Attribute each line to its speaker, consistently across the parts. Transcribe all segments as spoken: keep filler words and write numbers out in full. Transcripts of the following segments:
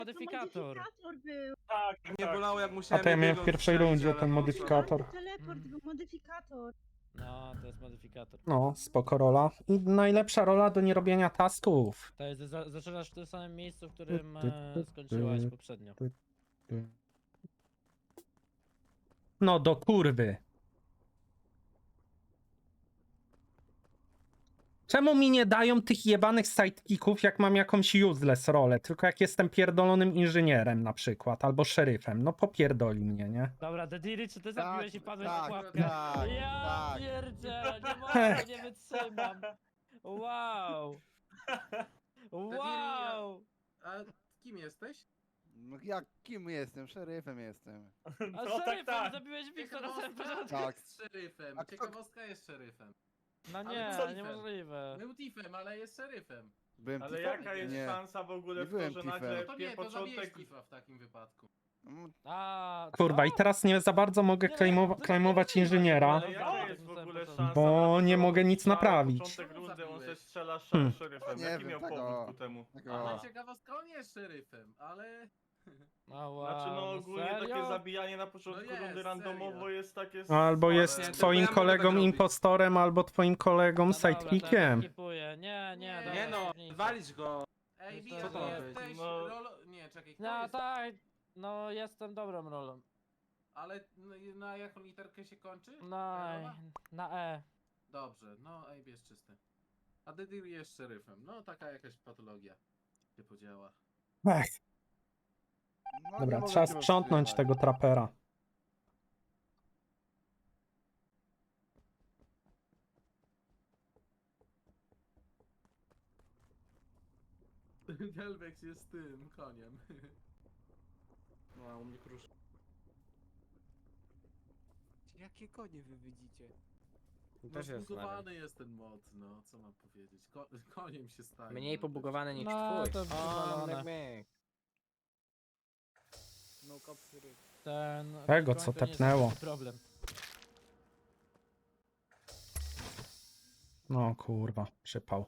Speaker 1: Modyfikator.
Speaker 2: Modyfikator był.
Speaker 3: Tak,
Speaker 4: Nie
Speaker 3: tak.
Speaker 4: bolało jak
Speaker 5: A
Speaker 4: musiałem
Speaker 5: to ja miałem w
Speaker 4: jednego
Speaker 5: pierwszej
Speaker 4: strzelić,
Speaker 5: rundzie
Speaker 4: ale
Speaker 5: ten
Speaker 4: no,
Speaker 5: modyfikator.
Speaker 2: Teleport
Speaker 1: Mm.
Speaker 2: był modyfikator.
Speaker 1: No, to jest modyfikator.
Speaker 5: No, spoko rola. I najlepsza rola do nierobienia tasków.
Speaker 1: To jest, za, zaczynasz w tym samym miejscu, w którym
Speaker 5: Ty, ty,
Speaker 1: e,
Speaker 5: ty,
Speaker 1: skończyłaś
Speaker 5: ty.
Speaker 1: poprzednio.
Speaker 5: No do kurwy. Czemu mi nie dają tych jebanych sidekicków, jak mam jakąś useless rolę? Tylko jak jestem pierdolonym inżynierem na przykład, albo szeryfem. No popierdoli mnie, nie?
Speaker 1: Dobra, Dediri, czy ty zabiłeś i padłeś
Speaker 6: tak,
Speaker 1: w pułapkę?
Speaker 6: tak,
Speaker 1: ja
Speaker 6: tak.
Speaker 1: pierdzielę, nie mogę, nie wytrzymam. Wow. Wow.
Speaker 6: A kim jesteś? No jak kim jestem? Szeryfem jestem.
Speaker 1: A
Speaker 3: No
Speaker 1: szeryfem
Speaker 3: tak, tak.
Speaker 1: zabiłeś Wiktora na samym
Speaker 7: Ciekawostka
Speaker 1: początku.
Speaker 6: Tak.
Speaker 7: jest szeryfem.
Speaker 6: A kto-
Speaker 7: Ciekawostka jest szeryfem.
Speaker 1: No
Speaker 7: Ale
Speaker 1: nie,
Speaker 7: co?
Speaker 1: niemożliwe.
Speaker 7: Był tifem, ale jest szeryfem.
Speaker 6: Byłem
Speaker 3: Ale
Speaker 6: tifem?
Speaker 3: jaka jest
Speaker 6: Nie.
Speaker 3: szansa w ogóle
Speaker 6: Nie
Speaker 3: w to,
Speaker 6: byłem
Speaker 3: że
Speaker 6: tifem.
Speaker 3: nagle
Speaker 7: No to nie, to zabijesz
Speaker 3: początek...
Speaker 7: tifa w takim wypadku.
Speaker 6: Mm,
Speaker 1: A,
Speaker 5: Kurwa,
Speaker 1: co?
Speaker 5: i teraz nie za bardzo mogę
Speaker 1: Nie, no,
Speaker 5: klejmowa-
Speaker 1: to
Speaker 5: klejmować
Speaker 1: nie jest
Speaker 5: inżyniera,
Speaker 3: Ale jaka
Speaker 1: Dobra,
Speaker 3: jest w
Speaker 1: to na
Speaker 3: ogóle
Speaker 1: początku.
Speaker 3: szansa
Speaker 5: bo
Speaker 3: na to,
Speaker 5: nie
Speaker 3: że
Speaker 5: mogę nic
Speaker 3: na
Speaker 5: naprawić.
Speaker 3: początek
Speaker 7: Czemu
Speaker 3: rundy on se
Speaker 7: zabiłeś?
Speaker 3: strzela
Speaker 5: Hmm.
Speaker 3: szeryfem.
Speaker 6: Nie
Speaker 3: Jaki
Speaker 6: wiem
Speaker 3: miał
Speaker 6: tego.
Speaker 3: powód ku temu?
Speaker 6: tego.
Speaker 7: Ale ciekawostka, on jest szeryfem, ale...
Speaker 1: No wow,
Speaker 3: Znaczy no ogólnie takie
Speaker 1: serio?
Speaker 3: zabijanie na początku
Speaker 7: No jest,
Speaker 3: rundy randomowo
Speaker 7: serio.
Speaker 3: jest takie
Speaker 5: albo
Speaker 3: słabe.
Speaker 5: jest
Speaker 4: Nie, to
Speaker 5: twoim
Speaker 4: ja mogę
Speaker 5: kolegą
Speaker 4: tak robić.
Speaker 5: impostorem, albo twoim kolegą
Speaker 1: No dobra, to ja
Speaker 5: sidekickiem.
Speaker 1: skipuję. Nie, nie,
Speaker 7: Nie,
Speaker 1: dobra,
Speaker 4: Nie no,
Speaker 1: skipuję.
Speaker 4: walić go.
Speaker 7: Ej,
Speaker 1: Co
Speaker 7: Bia,
Speaker 1: to
Speaker 7: to
Speaker 1: ma być?
Speaker 7: jesteś
Speaker 3: No.
Speaker 7: rolo... Nie, czekaj, kto
Speaker 1: No
Speaker 7: jest?
Speaker 1: tak, no jestem dobrą rolą.
Speaker 7: Ale no, i na jaką literkę się kończy?
Speaker 1: No,
Speaker 7: Ta rola?
Speaker 1: na E.
Speaker 7: Dobrze, no Ej, jest czysty. A Dedir jest szeryfem. No taka jakaś patologia się podziała.
Speaker 5: Ech,
Speaker 6: No, nie
Speaker 5: dobra,
Speaker 6: mogę
Speaker 5: trzeba
Speaker 6: cię
Speaker 5: sprzątnąć
Speaker 6: powstrzymać.
Speaker 5: tego trapera.
Speaker 7: Delvex jest tym koniem.
Speaker 4: No, u mnie krusz.
Speaker 8: Jakie konie wy widzicie?
Speaker 7: No zbugowany jest ten mod, no co mam powiedzieć. Ko koniem się staje.
Speaker 8: Mniej
Speaker 7: no,
Speaker 8: pobugowane niż
Speaker 1: No,
Speaker 8: twój.
Speaker 1: to
Speaker 8: O,
Speaker 1: wywalone.
Speaker 8: myk, myk. No kopsyry.
Speaker 1: Ten...
Speaker 5: Tego,
Speaker 1: w
Speaker 5: co
Speaker 1: końcu nie jest
Speaker 5: tepnęło.
Speaker 1: taki problem.
Speaker 5: No kurwa, przypał.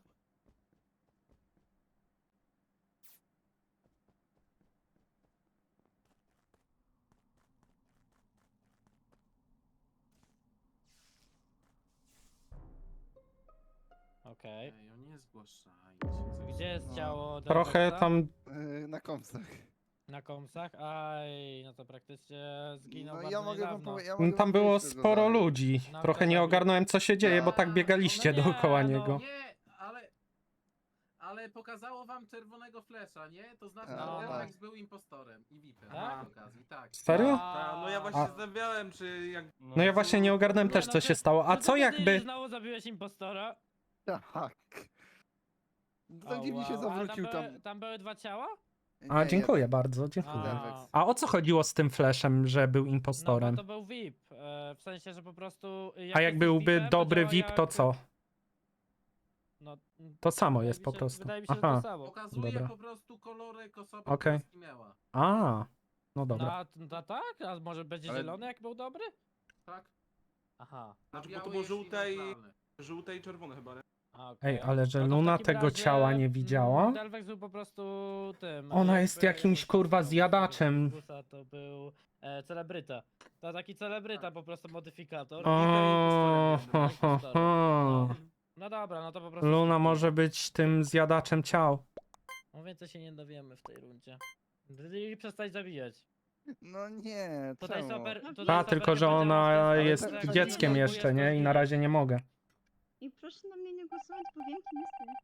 Speaker 1: Okej.
Speaker 7: Ej, o nie zgłaszajcie.
Speaker 1: Gdzie jest
Speaker 6: No.
Speaker 1: ciało
Speaker 5: Trochę
Speaker 1: Delvexa?
Speaker 5: tam
Speaker 6: Yy, na komsach.
Speaker 1: Na komsach? Aj, no to praktycznie zginął
Speaker 6: No
Speaker 1: bardzo
Speaker 6: ja mogę wam
Speaker 1: niedawno.
Speaker 6: powiedzieć. Ja mogę
Speaker 5: Tam
Speaker 6: wam
Speaker 5: było
Speaker 6: powiedzieć, co go
Speaker 5: sporo
Speaker 6: zabił.
Speaker 5: ludzi.
Speaker 1: No,
Speaker 5: Trochę
Speaker 1: kto
Speaker 5: nie
Speaker 1: zabił?
Speaker 5: ogarnąłem, co się dzieje, bo tak
Speaker 7: A,
Speaker 5: biegaliście
Speaker 1: no nie,
Speaker 5: dookoła
Speaker 1: no.
Speaker 5: niego.
Speaker 7: Nie, ale... Ale pokazało wam czerwonego flesza, nie? To znaczy,
Speaker 6: A,
Speaker 7: że
Speaker 1: tak.
Speaker 7: Delvex był impostorem i V I P-em
Speaker 1: Tak?
Speaker 7: przy okazji, tak.
Speaker 5: Serio?
Speaker 4: Ta, no ja
Speaker 1: A,
Speaker 4: właśnie
Speaker 5: A-
Speaker 4: zastanawiałem, czy jak...
Speaker 5: No ja właśnie nie ogarnąłem
Speaker 1: Nie,
Speaker 5: też,
Speaker 1: no
Speaker 5: co
Speaker 1: ty-
Speaker 5: się stało. A
Speaker 1: czy
Speaker 5: co
Speaker 1: ty, Dediri,
Speaker 5: jakby...
Speaker 1: znowu zabiłeś impostora?
Speaker 6: Tak.
Speaker 1: O,
Speaker 6: Tak dziwnie się
Speaker 1: wow. Ale
Speaker 6: zawrócił
Speaker 1: tam.
Speaker 6: tam.
Speaker 1: Były, tam były dwa ciała?
Speaker 5: A,
Speaker 6: Nie,
Speaker 5: dziękuję bardzo, dziękuję.
Speaker 6: Delvex.
Speaker 5: A o co chodziło z tym flashem, że był
Speaker 1: No
Speaker 5: impostorem?
Speaker 1: bo to był V I P. E, w sensie, że po prostu.
Speaker 5: A jak
Speaker 1: jesteś
Speaker 5: byłby
Speaker 1: V I P-em,
Speaker 5: dobry
Speaker 1: działa
Speaker 5: V I P, to
Speaker 1: jak-
Speaker 5: co?
Speaker 1: No,
Speaker 5: To samo
Speaker 1: wydaje
Speaker 5: jest
Speaker 1: mi
Speaker 5: po
Speaker 1: się-
Speaker 5: prostu.
Speaker 1: Wydaje mi się, że
Speaker 5: Aha.
Speaker 1: to samo.
Speaker 7: Pokazuje
Speaker 5: Dobra.
Speaker 7: po prostu kolorek osoby,
Speaker 5: Okej.
Speaker 7: która zginęła.
Speaker 5: A, no
Speaker 1: No,
Speaker 5: dobra.
Speaker 1: a, no tak? A może będzie
Speaker 6: Ale-
Speaker 1: zielony, jak był dobry?
Speaker 7: Tak?
Speaker 1: Aha.
Speaker 7: A
Speaker 4: Znaczy, bo
Speaker 7: biały
Speaker 4: to było
Speaker 7: jest
Speaker 4: żółte i...
Speaker 7: neutralny.
Speaker 4: Żółte i czerwone chyba, nie?
Speaker 1: A, okej.
Speaker 5: Ej, ale że
Speaker 1: No to w
Speaker 5: Luna
Speaker 1: takim
Speaker 5: tego
Speaker 1: razie,
Speaker 5: ciała nie
Speaker 1: mm,
Speaker 5: widziała?
Speaker 1: Delvex był po prostu tym.
Speaker 5: Ona
Speaker 1: jakby-
Speaker 5: jest jakimś,
Speaker 1: jakby
Speaker 5: kurwa,
Speaker 1: nazywał,
Speaker 5: zjadaczem.
Speaker 1: Gusa To był e, celebryta. To taki celebryta, po prostu modyfikator.
Speaker 5: O, ho, ho, ho.
Speaker 1: No. No dobra, no to po prostu.
Speaker 5: Luna
Speaker 1: skipuję.
Speaker 5: może być tym zjadaczem ciał.
Speaker 1: No więcej się nie dowiemy w tej rundzie. I przestać zabijać.
Speaker 6: No nie,
Speaker 1: Tutaj
Speaker 6: czemu?
Speaker 1: super.
Speaker 2: A,
Speaker 1: Tutaj
Speaker 5: A,
Speaker 1: super
Speaker 5: tylko, że
Speaker 1: będzie
Speaker 5: ona
Speaker 1: łatwo
Speaker 6: Ale
Speaker 5: jest
Speaker 6: tak- tak
Speaker 5: dzieckiem
Speaker 6: nie
Speaker 5: jeszcze, nie? I na razie nie mogę.
Speaker 2: I proszę na mnie nie głosować, bo wiem, kim jestem.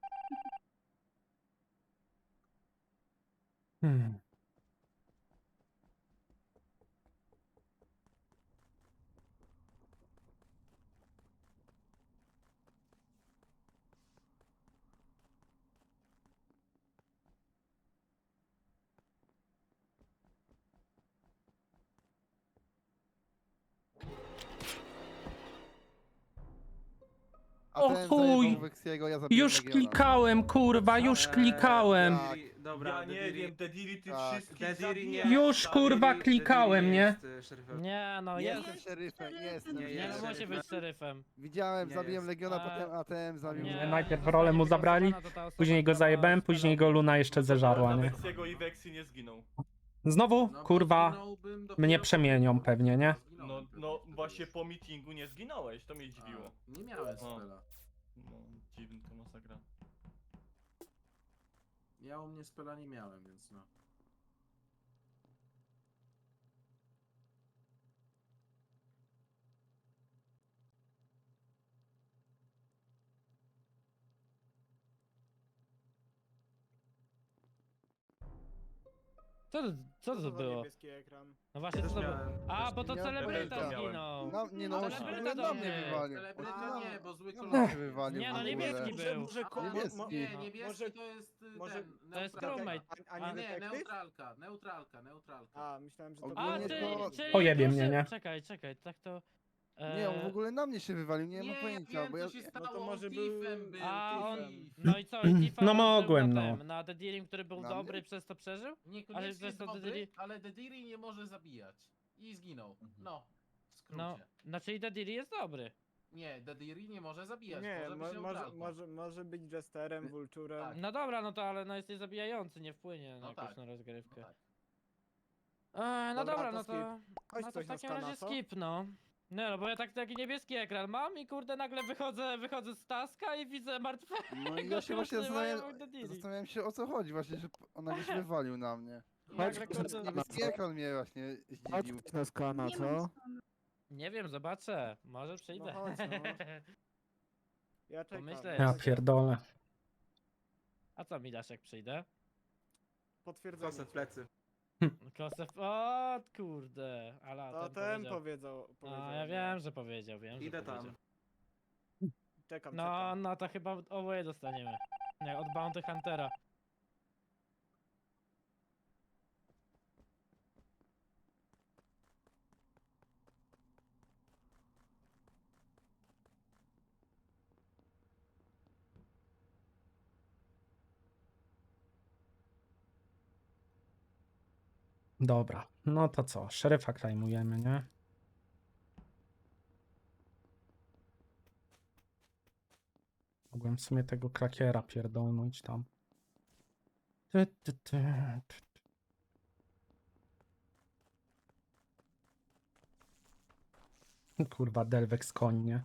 Speaker 5: Hmm.
Speaker 6: A
Speaker 5: O
Speaker 6: ten
Speaker 5: chuj!
Speaker 6: zajebał Wexiego, ja zabiłem
Speaker 5: Już
Speaker 6: Legiona.
Speaker 5: klikałem, kurwa, już
Speaker 6: Eee,
Speaker 5: klikałem.
Speaker 6: tak.
Speaker 4: Dobra,
Speaker 3: Ja nie
Speaker 4: Dediri-
Speaker 3: wiem, Dediri, ty
Speaker 6: Tak,
Speaker 3: wszystkich
Speaker 4: Dediri nie-
Speaker 3: zabijasz,
Speaker 5: Już,
Speaker 3: stary.
Speaker 5: kurwa,
Speaker 4: Dediri-
Speaker 5: klikałem,
Speaker 4: Dediri
Speaker 5: nie?
Speaker 4: jest, y, szeryfem.
Speaker 1: Nie, no
Speaker 6: Nie
Speaker 1: jest.
Speaker 6: jestem szeryfem, nie jestem.
Speaker 4: Nie
Speaker 1: Nie,
Speaker 4: jest
Speaker 1: no musi
Speaker 4: szeryfem.
Speaker 1: być szeryfem.
Speaker 6: Widziałem,
Speaker 4: Nie
Speaker 6: zabiłem
Speaker 4: jest.
Speaker 6: Legiona,
Speaker 1: A,
Speaker 6: potem A T M zabił
Speaker 5: nie,
Speaker 6: mnie.
Speaker 5: najpierw
Speaker 1: zostanie
Speaker 5: rolę mu
Speaker 1: wygłosowana,
Speaker 5: zabrali,
Speaker 1: to ta osoba,
Speaker 5: Później go
Speaker 1: która
Speaker 5: zajebałem, później go Luna jeszcze zeżarła, nie?
Speaker 3: Nawet jego i Vexy nie zginął.
Speaker 5: Znowu,
Speaker 7: No bo
Speaker 5: kurwa,
Speaker 7: zginąłbym dopiero
Speaker 5: mnie
Speaker 7: po
Speaker 5: przemienią
Speaker 7: meetingu.
Speaker 5: pewnie, nie?
Speaker 3: No,
Speaker 7: Zginąłem pewnie
Speaker 3: no
Speaker 7: wtedy
Speaker 3: właśnie
Speaker 7: już.
Speaker 3: po meetingu nie zginąłeś, to mnie
Speaker 7: A,
Speaker 3: zdziwiło.
Speaker 7: Nie miałem
Speaker 3: O.
Speaker 7: spela.
Speaker 3: No, dziwny to masakra.
Speaker 7: Ja u mnie spela nie miałem, więc no.
Speaker 1: Co, to- co to
Speaker 8: za
Speaker 1: było?
Speaker 8: niebieski ekran?
Speaker 1: No właśnie, co
Speaker 4: Też
Speaker 1: to było?
Speaker 4: miałem.
Speaker 1: A, bo to
Speaker 6: miałem
Speaker 1: celebryta
Speaker 3: też miałem.
Speaker 1: zginął.
Speaker 6: No, nie no,
Speaker 1: Ale
Speaker 6: on się w
Speaker 1: celebryta
Speaker 6: ogóle na
Speaker 1: do
Speaker 6: mnie
Speaker 1: mnie.
Speaker 6: wywalił.
Speaker 7: Celebryta nie, bo zły
Speaker 6: Na mnie
Speaker 7: kolor.
Speaker 6: się wywalił
Speaker 1: Nie,
Speaker 6: w
Speaker 1: no,
Speaker 6: ogóle.
Speaker 1: niebieski
Speaker 8: Może,
Speaker 1: był.
Speaker 8: może, ko-
Speaker 6: Niebieski.
Speaker 8: mo-
Speaker 7: Nie,
Speaker 8: mo-
Speaker 7: niebieski
Speaker 8: może,
Speaker 7: to jest y,
Speaker 8: może-
Speaker 7: ten,
Speaker 1: To jest
Speaker 7: neutralka.
Speaker 1: crewmate.
Speaker 8: a, a
Speaker 7: A
Speaker 8: nie
Speaker 7: nie,
Speaker 8: detektyw?
Speaker 7: neutralka, neutralka, neutralka.
Speaker 8: A, myślałem, że to
Speaker 6: Ogólnie
Speaker 1: A,
Speaker 8: było-
Speaker 1: ty,
Speaker 6: to-
Speaker 1: czyli
Speaker 5: Pojebie
Speaker 1: proszę-
Speaker 5: mnie, nie?
Speaker 1: Czekaj, czekaj, tak to...
Speaker 6: Nie, on w
Speaker 1: e,
Speaker 6: ogóle na mnie się wywalił, nie
Speaker 7: Nie,
Speaker 6: mam
Speaker 7: ja
Speaker 6: pojęcia,
Speaker 7: wiem,
Speaker 6: bo
Speaker 7: co
Speaker 6: ja...
Speaker 7: się
Speaker 8: No
Speaker 7: stało,
Speaker 8: to może
Speaker 7: on
Speaker 8: był
Speaker 7: thiefem był,
Speaker 1: A on,
Speaker 7: thiefem.
Speaker 1: no i co, i Tifa
Speaker 5: No
Speaker 1: użył
Speaker 5: mogłem,
Speaker 1: na
Speaker 5: no.
Speaker 1: tem, Na Dedirim, który był
Speaker 6: Na
Speaker 1: dobry,
Speaker 6: mnie?
Speaker 1: przez to przeżył? Ale to
Speaker 7: Niekoniecznie
Speaker 1: jest to
Speaker 7: dobry,
Speaker 1: Dediri-
Speaker 7: ale Dediri nie może zabijać. I zginął. No, w skrócie.
Speaker 1: No, znaczy i Dediri jest dobry.
Speaker 7: Nie, Dediri nie może zabijać,
Speaker 8: Nie,
Speaker 7: może
Speaker 8: mo,
Speaker 7: być
Speaker 8: może,
Speaker 7: neutralką.
Speaker 8: może, może być Jesterem, Vulturem.
Speaker 7: Tak.
Speaker 1: No dobra, no to ale no jest niezabijający, nie wpłynie na
Speaker 7: No
Speaker 1: jakąś
Speaker 7: tak.
Speaker 1: na rozgrywkę.
Speaker 7: No tak.
Speaker 1: E, no
Speaker 8: Dobra,
Speaker 1: dobra,
Speaker 8: to
Speaker 1: no to,
Speaker 8: Chodź
Speaker 1: no to
Speaker 8: coś
Speaker 1: w
Speaker 8: na
Speaker 1: takim
Speaker 8: skana,
Speaker 1: razie
Speaker 8: co?
Speaker 1: skip, no. Nie no, bo ja tak taki niebieski ekran mam i kurde nagle wychodzę, wychodzę z taska i widzę martwego.
Speaker 6: No i ja się właśnie
Speaker 1: Kurde, mają
Speaker 6: zastanawiałem,
Speaker 1: Dediri.
Speaker 6: zastanawiałem się o co chodzi właśnie, że on nagle się wywalił na mnie.
Speaker 1: Nagle, kurde,
Speaker 6: Niebieski ekran mnie właśnie
Speaker 8: Chodź
Speaker 6: zdziwił.
Speaker 8: coś na skana,
Speaker 2: Nie mam
Speaker 8: co?
Speaker 2: stanu.
Speaker 1: nie wiem, zobaczę. Może przyjdę.
Speaker 8: No chodź, no. Ja czekam.
Speaker 1: Pomyślę.
Speaker 5: Ja pierdolę.
Speaker 1: A co mi dasz jak przyjdę?
Speaker 8: Potwierdzenie.
Speaker 4: Kosę w plecy.
Speaker 1: Kosę. O kurde, ale
Speaker 8: To
Speaker 1: ten
Speaker 8: ten
Speaker 1: powiedział.
Speaker 8: powiedział. powiedział
Speaker 1: A ja
Speaker 8: nie.
Speaker 1: wiem, że powiedział, wiem, że
Speaker 4: Idę tam.
Speaker 1: powiedział.
Speaker 8: Czekam,
Speaker 1: No,
Speaker 8: czekam.
Speaker 1: no to chyba oboje dostaniemy. Nie, od Bounty Huntera.
Speaker 5: Dobra, no to co? Szeryfa klejmujemy, nie? Mogłem w sumie tego klakiera pierdolnąć tam. Ty, ty, ty, ty. Kurwa, Delvex koń, nie?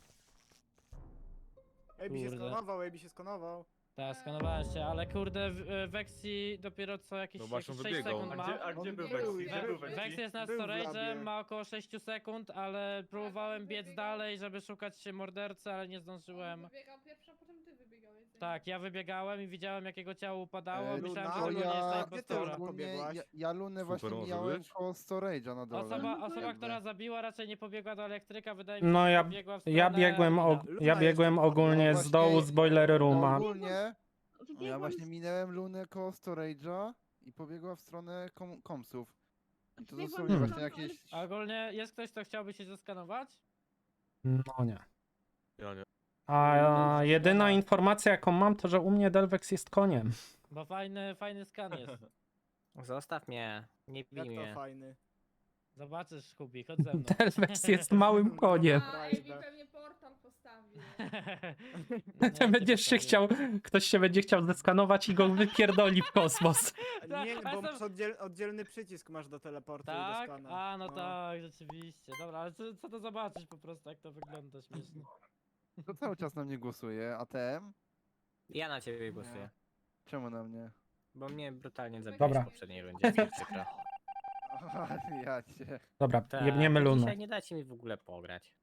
Speaker 8: Ejbi się
Speaker 1: Kurde.
Speaker 8: skonował, Ejbi się skonował.
Speaker 1: Tak, skanowałem się, ale kurde, w- e, Vexi dopiero co jakieś,
Speaker 9: No właśnie,
Speaker 1: jakieś sześć
Speaker 9: wybiegał.
Speaker 1: sekund
Speaker 3: A
Speaker 1: ma.
Speaker 3: gdzie, a gdzie
Speaker 8: On
Speaker 3: był
Speaker 8: był,
Speaker 3: Vexy? Gdzie
Speaker 8: był,
Speaker 3: był
Speaker 1: Vex
Speaker 3: Vexy?
Speaker 1: jest nad
Speaker 8: Był w
Speaker 1: storage'em,
Speaker 8: labie.
Speaker 1: ma około sześć sekund, ale próbowałem biec dalej, żeby szukać mordercy, ale nie zdążyłem.
Speaker 10: Wybiegał pierwszy, a potem ty wybiegałeś. za nim.
Speaker 1: Tak, ja wybiegałem i widziałem jak jego ciało upadało,
Speaker 6: E,
Speaker 1: myślałem,
Speaker 8: Luna,
Speaker 1: że
Speaker 6: To
Speaker 1: to nie jest
Speaker 6: ja,
Speaker 1: ta
Speaker 8: Gdzie ty
Speaker 1: impostora.
Speaker 8: Luna?
Speaker 6: ogólnie,
Speaker 8: pobiegłaś?
Speaker 6: ja, ja Lunę właśnie
Speaker 9: Super może
Speaker 6: mijałem
Speaker 9: być.
Speaker 6: koło storage'a na dole.
Speaker 1: Osoba,
Speaker 2: No,
Speaker 1: osoba
Speaker 6: jakby.
Speaker 1: która zabiła, raczej nie pobiegła do elektryka, wydaje mi się,
Speaker 5: No
Speaker 1: że
Speaker 5: ja,
Speaker 1: pobiegła w
Speaker 5: ja
Speaker 1: stronę
Speaker 5: biegłem,
Speaker 1: Mina.
Speaker 5: og
Speaker 8: Luna
Speaker 5: ja
Speaker 8: jeszcze
Speaker 5: biegłem
Speaker 8: podbiegła.
Speaker 5: ogólnie
Speaker 6: No
Speaker 5: z dołu, z
Speaker 6: właśnie,
Speaker 5: boiler rooma.
Speaker 6: Ogólnie, no ja
Speaker 2: Wybiegłam
Speaker 6: właśnie
Speaker 2: z-
Speaker 6: minęłem Lunę koło storage'a i pobiegła w stronę kom komsów. I to
Speaker 2: Wybiegłam
Speaker 6: dosłownie
Speaker 2: z
Speaker 6: właśnie
Speaker 2: frontu, ale-
Speaker 6: jakieś...
Speaker 1: A ogólnie jest ktoś, kto chciałby się zeskanować?
Speaker 5: No nie.
Speaker 9: Ja nie.
Speaker 5: A jedyna informacja jaką mam to, że u mnie Delvex jest koniem.
Speaker 1: Bo fajny, fajny skan jest.
Speaker 8: Zostaw mnie, nie
Speaker 11: bij
Speaker 8: Jak
Speaker 11: mnie.
Speaker 8: to fajny.
Speaker 1: Zobaczysz, Kubi, chodź ze mną.
Speaker 5: Delvex jest małym koniem.
Speaker 10: A, Ejbi pewnie portal postawił.
Speaker 1: Nie,
Speaker 5: Ty
Speaker 1: nie
Speaker 5: będziesz się chciał,
Speaker 1: postawiłem.
Speaker 5: ktoś się będzie chciał zeskanować i go wypierdoli w kosmos.
Speaker 1: Tak,
Speaker 8: Nie,
Speaker 1: a
Speaker 8: bo
Speaker 1: sam-
Speaker 8: masz oddziel, oddzielny przycisk masz do teleportu i
Speaker 1: Tak?
Speaker 8: do skana.
Speaker 1: A, no tak, rzeczywiście. Dobra, ale co, co to zobaczyć po prostu, jak to wygląda śmiesznie.
Speaker 6: To cały czas na mnie głosuje, a T M?
Speaker 11: Ja na ciebie głosuję.
Speaker 6: Czemu na mnie?
Speaker 11: Bo mnie brutalnie zabiłeś
Speaker 5: Dobra.
Speaker 11: w poprzedniej rundzie, jest mi przykro.
Speaker 6: Aha, ja cię.
Speaker 5: Dobra,
Speaker 11: Tak,
Speaker 5: jebniemy Lunę.
Speaker 11: Dzisiaj nie dacie mi w ogóle pograć.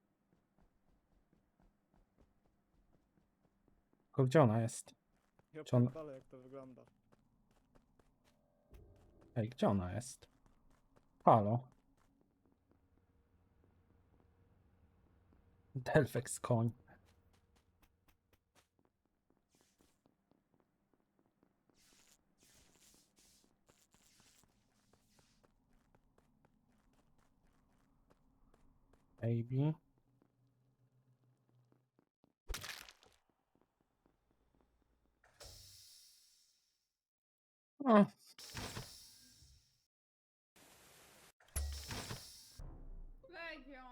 Speaker 5: Tylko gdzie ona jest?
Speaker 8: Ja
Speaker 5: Czy on-
Speaker 8: pierdolę, jak to wygląda.
Speaker 5: Ej, gdzie ona jest? Halo? Delvex koń. Baby.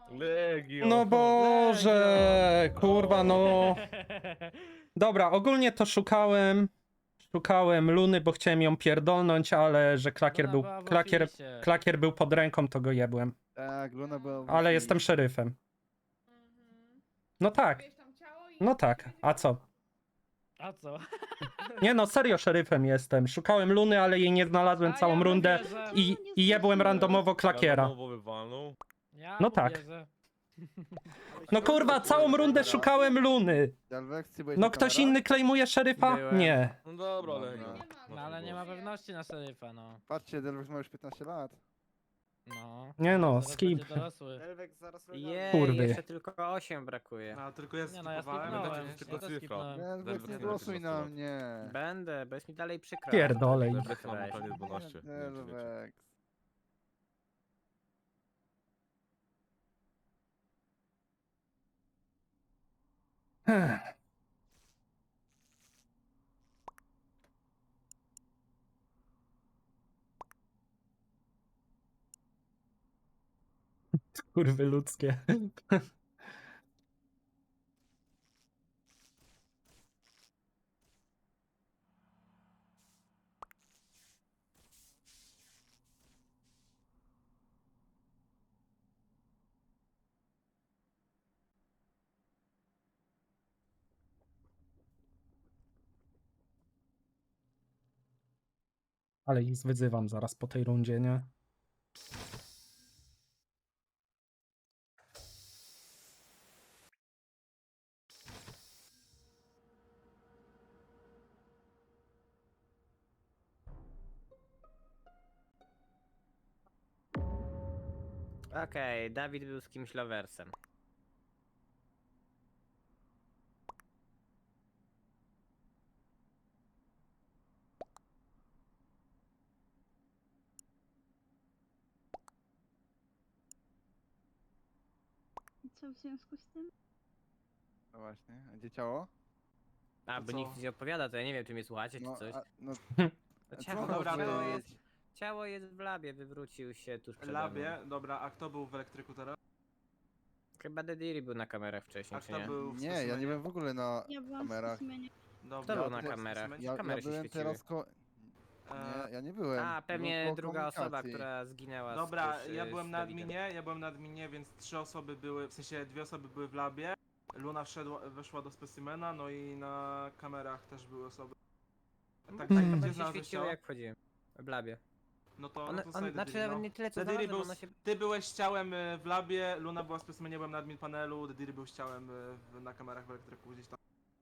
Speaker 9: Legio.
Speaker 5: No Boże, kurwa, no. Dobra, ogólnie to szukałem. Szukałem Luny, bo chciałem ją pierdolnąć, ale że klakier
Speaker 1: Luna
Speaker 5: był,
Speaker 1: była w
Speaker 5: klakier,
Speaker 1: ofisie.
Speaker 5: klakier był pod ręką, to go jebłem.
Speaker 6: Tak, Luna była... w
Speaker 5: Ale
Speaker 6: oficie.
Speaker 5: jestem szeryfem.
Speaker 10: Mhm.
Speaker 5: No tak,
Speaker 10: Wiesz tam ciało i...
Speaker 5: no tak. A co?
Speaker 1: A co?
Speaker 5: Nie no, serio szeryfem jestem. Szukałem Luny, ale jej nie znalazłem
Speaker 1: A
Speaker 5: całą
Speaker 1: ja mu
Speaker 5: rundę
Speaker 1: wierzę.
Speaker 5: i, i jebłem randomowo klakiera.
Speaker 9: Randomowo wywalnął.
Speaker 1: Ja
Speaker 5: No
Speaker 1: mu
Speaker 5: tak.
Speaker 1: wierzę.
Speaker 5: No kurwa, całą rundę szukałem Luny.
Speaker 6: Delvex, ty byłeś
Speaker 5: No
Speaker 6: na
Speaker 5: ktoś
Speaker 6: kamerach?
Speaker 5: inny klejmuje szeryfa?
Speaker 11: Byłem.
Speaker 5: Nie.
Speaker 9: No dobra,
Speaker 6: Dobra.
Speaker 9: Legio.
Speaker 10: Nie ma,
Speaker 1: No ale nie ma
Speaker 10: Żyje.
Speaker 1: pewności na szeryfa, no.
Speaker 6: Patrzcie, Delvex ma już piętnaście lat.
Speaker 1: No.
Speaker 5: Nie no,
Speaker 1: Zaraz
Speaker 5: skip.
Speaker 1: będzie dorosły.
Speaker 8: Delvex zaraz
Speaker 11: Jej,
Speaker 5: Kurwy.
Speaker 11: jeszcze tylko osiem brakuje.
Speaker 4: No, tylko ja
Speaker 1: Nie no, ja
Speaker 4: skipowałem,
Speaker 1: skipnąłem.
Speaker 4: będę
Speaker 1: Ja
Speaker 9: tylko
Speaker 1: też
Speaker 9: cyfra.
Speaker 1: skipnąłem.
Speaker 6: Delvex,
Speaker 9: Delvex
Speaker 6: nie
Speaker 9: nie ma
Speaker 6: głosuj na
Speaker 9: piętnastu
Speaker 6: mnie.
Speaker 11: Będę, bo jest mi dalej przykro.
Speaker 5: Pierdolej.
Speaker 9: Delvex ma prawie
Speaker 6: Nie,
Speaker 9: dwanaście. Nie wiem, czy wiecie.
Speaker 6: Delvex.
Speaker 5: Kurwy ludzkie. Ale ich wyzywam zaraz po tej rundzie, nie?
Speaker 11: Okej, Dawid był z kimś loversem.
Speaker 2: I co w związku z tym?
Speaker 6: No właśnie, a gdzie ciało?
Speaker 11: A,
Speaker 4: To
Speaker 11: bo
Speaker 4: co?
Speaker 11: nikt nie opowiada, to ja nie wiem, czy mnie słuchacie, czy
Speaker 6: No,
Speaker 11: coś.
Speaker 6: a, no,
Speaker 11: No,
Speaker 6: co
Speaker 11: ciało,
Speaker 4: dobra,
Speaker 11: ciało,
Speaker 4: to-
Speaker 11: jest, ciało jest w labie, wywrócił się tuż przede mną.
Speaker 4: Labie, dobra, a kto był w elektryku teraz?
Speaker 11: Chyba Dediri był na kamerach wcześniej,
Speaker 4: A
Speaker 11: czy
Speaker 4: kto
Speaker 11: nie?
Speaker 4: był w
Speaker 6: nie, ja nie
Speaker 4: specimenie?
Speaker 6: byłem w ogóle na
Speaker 2: Ja byłam w
Speaker 6: kamerach.
Speaker 2: specimenie.
Speaker 4: Dobra,
Speaker 11: Kto był na
Speaker 4: ty w
Speaker 11: kamerach?
Speaker 4: specimenie?
Speaker 6: Ja, ja
Speaker 11: kamery się
Speaker 6: byłem
Speaker 11: świeciły.
Speaker 6: teraz ko...
Speaker 4: Eee,
Speaker 6: Nie, ja nie byłem.
Speaker 11: A,
Speaker 6: Byłem
Speaker 11: pewnie
Speaker 6: koło
Speaker 11: druga osoba,
Speaker 6: komunikacji.
Speaker 11: która zginęła z
Speaker 4: Dobra,
Speaker 11: tuż,
Speaker 4: ja
Speaker 11: y,
Speaker 4: byłem
Speaker 11: z
Speaker 4: na
Speaker 11: Dawidem.
Speaker 4: adminie, ja byłem na adminie, więc trzy osoby były, w sensie dwie osoby były w labie. Luna wszedła, weszła do specimena, no i na kamerach też były osoby. Tak, tak,
Speaker 5: Hmm.
Speaker 4: gdzie
Speaker 11: Kamery się
Speaker 4: znalazłeś
Speaker 11: świeciły,
Speaker 4: ciało?
Speaker 11: jak wchodziłem. W labie.
Speaker 4: No to,
Speaker 11: One,
Speaker 4: no to
Speaker 11: on,
Speaker 4: znajdę
Speaker 11: znaczy
Speaker 4: Dediri,
Speaker 11: nawet
Speaker 4: no.
Speaker 11: nie tyle co
Speaker 4: Dediri
Speaker 11: znalazłem,
Speaker 4: był,
Speaker 11: ono się...
Speaker 4: ty byłeś ciałem y, w labie, Luna była w specimenie, byłem na admin panelu, Dediri był z ciałem y, w, na kamerach w elektryku gdzieś tam.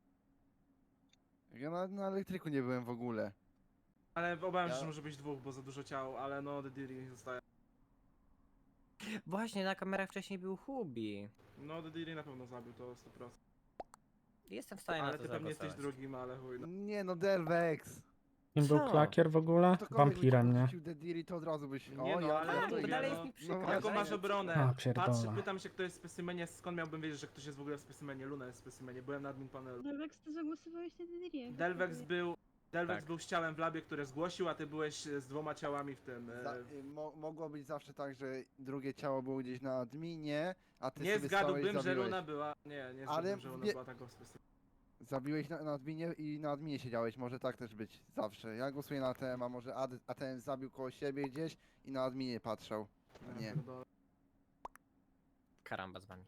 Speaker 6: Ja na, na elektryku nie byłem w ogóle.
Speaker 4: Ale obawiam się,
Speaker 6: Ja-
Speaker 4: że może być dwóch, bo za dużo ciał, ale no Dediri zostaje.
Speaker 11: Właśnie, na kamerach wcześniej był Hubi.
Speaker 4: No Dediri na pewno zabił, to sto procent.
Speaker 11: Jestem w stanie na
Speaker 4: Ale
Speaker 11: to
Speaker 4: ty pewnie jesteś
Speaker 11: zagłosować.
Speaker 4: drugim, ale chuj. No.
Speaker 6: Nie no, Delvex.
Speaker 5: Kim był
Speaker 11: Co?
Speaker 5: klakier w ogóle?
Speaker 6: Ktokolwiek
Speaker 5: Wampirem,
Speaker 6: byś
Speaker 5: nie?
Speaker 6: podrzucił Dediri, to od razu byś...
Speaker 4: Nie
Speaker 6: o,
Speaker 4: no,
Speaker 6: ja,
Speaker 4: ale
Speaker 6: ja
Speaker 4: no
Speaker 6: to
Speaker 4: to
Speaker 6: idę,
Speaker 11: dalej
Speaker 6: no.
Speaker 11: jest mi przykro,
Speaker 6: No
Speaker 11: ale
Speaker 4: Jaką
Speaker 6: właśnie.
Speaker 4: masz obronę?
Speaker 5: A, pierdolę.
Speaker 4: Patrzę, pytam się kto jest w specimenie, skąd miałbym wiedzieć, że ktoś jest w ogóle w specimenie? Luna jest w specimenie, byłem na admin panelu.
Speaker 2: Delvex, ty zagłosowałeś na Dedirię.
Speaker 4: Delvex był, Delvex
Speaker 11: Tak.
Speaker 4: był z ciałem w labie, które zgłosił, a ty byłeś e, z dwoma ciałami w tym. e,
Speaker 6: Za, y, mo, mogło być zawsze tak, że drugie ciało było gdzieś na adminie, a ty
Speaker 4: Nie
Speaker 6: sobie stałeś,
Speaker 4: zgadłbym, że
Speaker 6: zabiłeś.
Speaker 4: Luna była. Nie, nie
Speaker 6: Ale
Speaker 4: zgadłbym, że Luna
Speaker 6: wie-
Speaker 4: była tak w specimenie.
Speaker 6: Zabiłeś na, na adminie i na adminie siedziałeś, może tak też być zawsze. Ja głosuję na A T M, a może Ad, A T M zabił koło siebie gdzieś i na adminie patrzał.
Speaker 4: Ja
Speaker 6: Nie.
Speaker 4: pierdolę.
Speaker 11: Karamba z wami.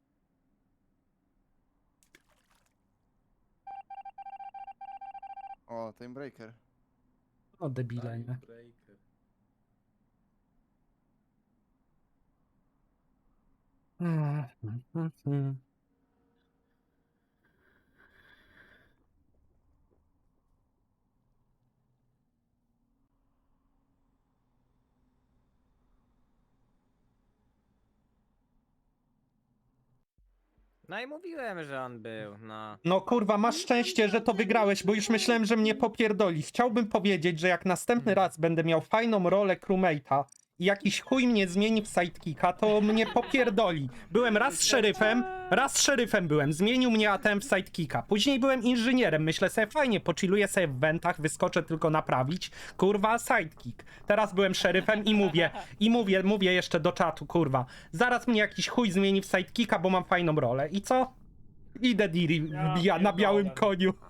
Speaker 6: O, Time Breaker.
Speaker 5: No debile, nie?
Speaker 7: Breaker.
Speaker 11: No i mówiłem, że on był, no.
Speaker 5: No kurwa, masz szczęście, że to wygrałeś, bo już myślałem, że mnie popierdoli. Chciałbym powiedzieć, że jak następny raz będę miał fajną rolę crewmate'a i jakiś chuj mnie zmieni w sidekicka, to mnie popierdoli. Byłem raz szeryfem, raz szeryfem byłem, zmienił mnie A T M w sidekicka. Później byłem inżynierem, myślę sobie fajnie, pochilluję sobie w wentach, wyskoczę tylko naprawić, kurwa, sidekick. Teraz byłem szeryfem i mówię, i mówię, mówię jeszcze do czatu, kurwa, zaraz mnie jakiś chuj zmieni w sidekicka, bo mam fajną rolę. I co? Idę Diri,
Speaker 1: Ja
Speaker 5: ja na białym
Speaker 1: pierdolę.
Speaker 5: koniu.